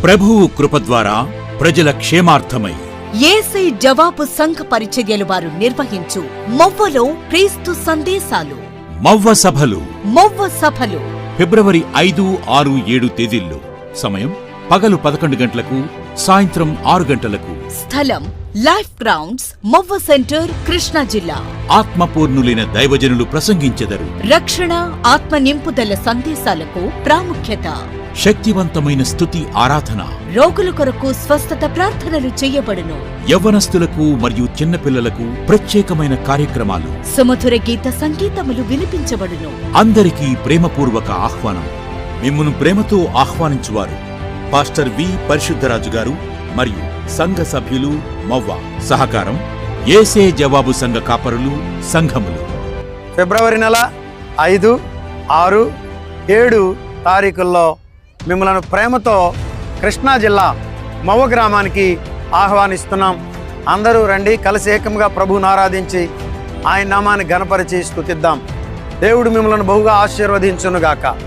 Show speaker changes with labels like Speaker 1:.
Speaker 1: ప్రభువు కృప ద్వారా ప్రజల క్షేమార్థమై
Speaker 2: యేసే జవాబు సంఘ పరిచర్యలు వారు నిర్వహించు మొవ్వలో క్రీస్తు సందేశాలు.
Speaker 1: మవ్వ సభలు ఫిబ్రవరి 5, 6, 7 తేదీల్లో. సమయం పగలు 11 గంటలకు, సాయంత్రం 6 గంటలకు.
Speaker 2: స్థలం life grounds, Movva centre, Krishna జిల్లా.
Speaker 1: ఆత్మపూర్ణులైన దైవజనులు ప్రసంగించెదరు.
Speaker 2: రక్షణ, ఆత్మ నింపుదల సందేశాలకు ప్రాముఖ్యత.
Speaker 1: శక్తివంతమైన స్తుతి ఆరాధన.
Speaker 2: రోగుల కొరకు స్వస్థత ప్రార్థనలు చేయబడును.
Speaker 1: యవ్వనస్తులకు మరియు చిన్నపిల్లలకు ప్రత్యేకమైన కార్యక్రమాలు.
Speaker 2: సుమధుర గీత సంగీతములు వినిపించబడును.
Speaker 1: అందరికీ ప్రేమపూర్వక ఆహ్వానం. మిమ్మును ప్రేమతో ఆహ్వానించువారు పాస్టర్ వి. పరిశుద్ధరాజు గారు మరియు సంఘ సభ్యులు, మవ్వ. సహకారం యేసే జవాబు సంఘ కాపరులు, సంఘములు.
Speaker 3: ఫిబ్రవరి నెల 5, 6, 7 తారీఖుల్లో మిమ్మల్ని ప్రేమతో కృష్ణా జిల్లా మవ్వ గ్రామానికి ఆహ్వానిస్తున్నాం. అందరూ రండి, కలిసి ఏకంగా ప్రభువును ఆరాధించి ఆయన నామాన్ని ఘనపరిచి స్తుతిద్దాం. దేవుడు మిమ్మల్ని బహుగా ఆశీర్వదించునుగాక.